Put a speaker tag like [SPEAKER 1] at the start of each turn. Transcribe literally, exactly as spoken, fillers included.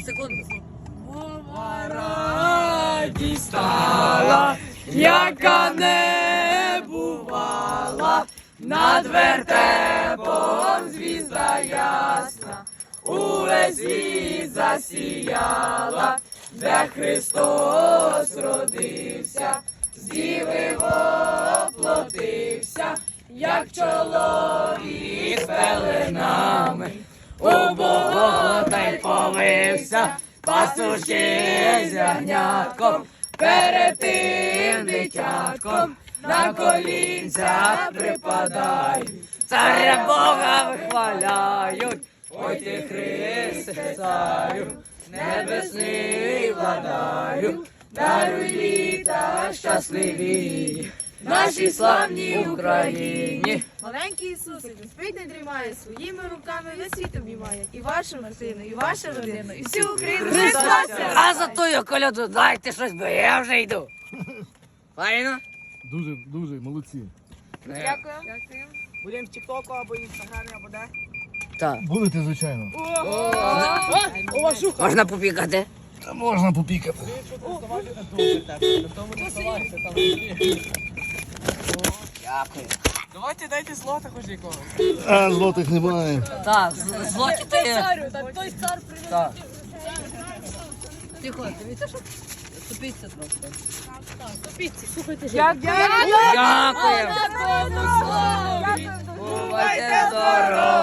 [SPEAKER 1] Секунду.
[SPEAKER 2] Радість стала, яка не бувала, над вертепом звізда ясна, увесь світ засіяла, де Христос родився, з діви воплотився, як чоловік з пеленами, у болота й повився, пастушки з ягнятком, перед тим дитятком, на колінця припадають, царя Бога вихваляють. Ой ти, Христе, царю, небесний владарю, даруй літа щасливі нашій славній Україні.
[SPEAKER 3] Маленький Ісусик не спить, не дрімає, своїми руками весь світ обіймає. І вашу Мартину, і вашу родину, і всю Україну. Христос!
[SPEAKER 1] А за тою коляду дайте щось, бо я вже йду. Файно?
[SPEAKER 4] Дуже, дуже, молодці.
[SPEAKER 3] Дякую.
[SPEAKER 2] Будемо в Тіктоку або Інстаграмі, або де?
[SPEAKER 1] Так.
[SPEAKER 4] Будете, звичайно.
[SPEAKER 1] Можна попікати?
[SPEAKER 4] Та можна попікати.
[SPEAKER 1] Дякую.
[SPEAKER 2] Давайте дайте злота хоч якогось.
[SPEAKER 4] А, злотих немає.
[SPEAKER 1] Так, з- злоті ти...
[SPEAKER 3] Царю, так той цар привів.
[SPEAKER 1] Так. Тихо, дивіться, що ступіться трохи.
[SPEAKER 3] Дякую.
[SPEAKER 1] Дякую. Бувайте здорові.